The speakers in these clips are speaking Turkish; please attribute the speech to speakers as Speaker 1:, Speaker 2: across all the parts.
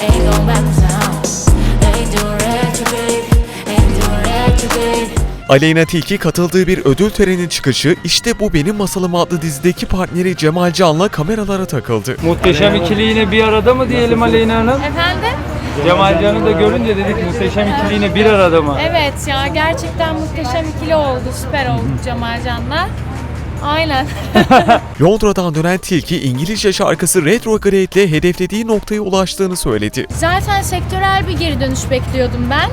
Speaker 1: ain't going back now. Ain't doing retrograde, ain't doing retrograde.
Speaker 2: Aleyna Tilki katıldığı bir ödül töreni çıkışı İşte Bu Benim Masalım adlı dizideki partneri Cemal Can'la kameralara takıldı.
Speaker 3: Muhteşem ikili yine bir arada mı diyelim Aleyna Hanım?
Speaker 4: Efendim?
Speaker 3: Cemal Can'ı da görünce dedik muhteşem ikili yine bir arada mı?
Speaker 4: Evet ya, gerçekten muhteşem ikili oldu, süper oldu Cemal Can'la. Aynen.
Speaker 2: Londra'dan dönen Tilki İngilizce şarkısı Retrograde ile hedeflediği noktaya ulaştığını söyledi.
Speaker 4: Zaten sektörel bir geri dönüş bekliyordum ben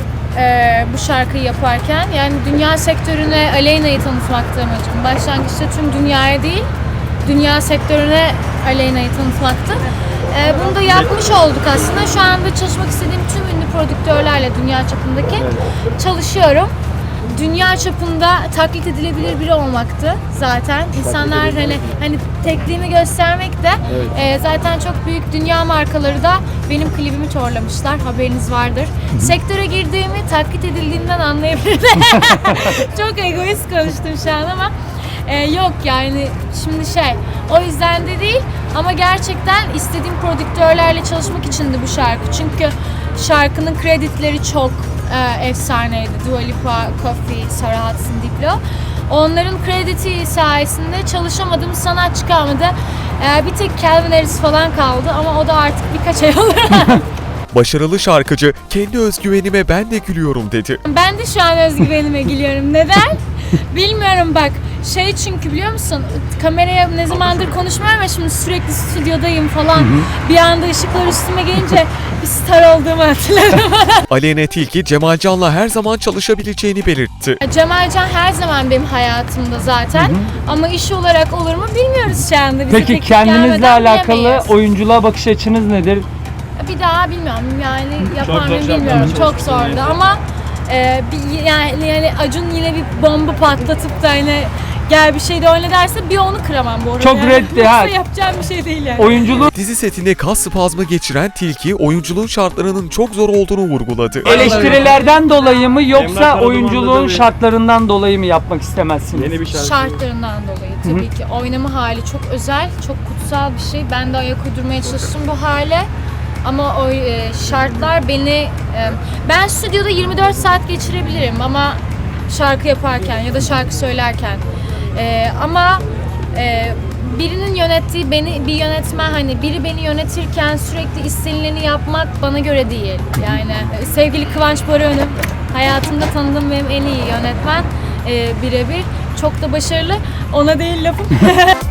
Speaker 4: bu şarkıyı yaparken. Yani dünya sektörüne Aleyna'yı tanıtmaktı amacım. Başlangıçta tüm dünyaya değil, dünya sektörüne Aleyna'yı tanıtmaktı. Bunu da yapmış olduk aslında. Şu anda çalışmak istediğim tüm ünlü prodüktörlerle dünya çapındaki çalışıyorum. Dünya çapında taklit edilebilir biri olmaktı zaten. İnsanlar hani tekliğimi göstermek de zaten çok büyük dünya markaları da benim klibimi çorlamışlar. Haberiniz vardır. Sektöre girdiğimi taklit edildiğimden anlayabilirler. Çok egoist konuştum şu an ama yok yani şimdi o yüzden de değil ama gerçekten istediğim prodüktörlerle çalışmak içindi bu şarkı. Çünkü şarkının kredileri çok efsaneydi. Dua Lipa, Coffee, Sarah Hudson, Diplo. Onların krediti sayesinde çalışamadığım sanatçı kalmadı. Bir tek Calvin Harris falan kaldı ama o da artık birkaç ay olur.
Speaker 2: Başarılı şarkıcı kendi özgüvenime ben de gülüyorum dedi.
Speaker 4: Ben de şu an özgüvenime gülüyorum. Neden? Bilmiyorum bak. Çünkü biliyor musun? Kameraya ne zamandır konuşmuyorum ama şimdi sürekli stüdyodayım falan. Bir anda ışıklar üstüme gelince bir star olduğumu hatırladım.
Speaker 2: Aleyna Tilki Cemal Can'la her zaman çalışabileceğini belirtti.
Speaker 4: Cemal Can her zaman benim hayatımda zaten. Ama iş olarak olur mu bilmiyoruz şu anda. Bize
Speaker 3: Peki
Speaker 4: teklif
Speaker 3: kendinizle
Speaker 4: gelmeden
Speaker 3: alakalı
Speaker 4: bilemeyiz.
Speaker 3: oyunculuğa bakış açınız nedir?
Speaker 4: Bir daha bilmiyorum yani yapar mıyım bilmiyorum. Çok zordu ama yani Acun yine bir bomba patlatıp da gel bir şey de oyna derse bir onu kıramam bu arada.
Speaker 3: Çok reddi ha.
Speaker 4: Yapacağım bir şey değil yani.
Speaker 3: Oyunculuğu
Speaker 2: Dizi setinde kas spazmı geçiren Tilki oyunculuğun şartlarının çok zor olduğunu vurguladı.
Speaker 3: eleştirilerden dolayı mı yoksa oyunculuğun şartlarından dolayı mı yapmak istemezsiniz?
Speaker 4: Şartlarından dolayı tabii ki. Oynama hali çok özel, çok kutsal bir şey. Ben de ayak uydurmaya çalıştım bu hale. Ama o şartlar beni... ben stüdyoda 24 saat geçirebilirim ama şarkı yaparken ya da şarkı söylerken. Ama birinin yönettiği bir yönetmen biri beni yönetirken sürekli istenileni yapmak bana göre değil. Yani sevgili Kıvanç Baroğlu hayatımda tanıdığım benim en iyi yönetmen birebir. Çok da başarılı. Ona değil lafım.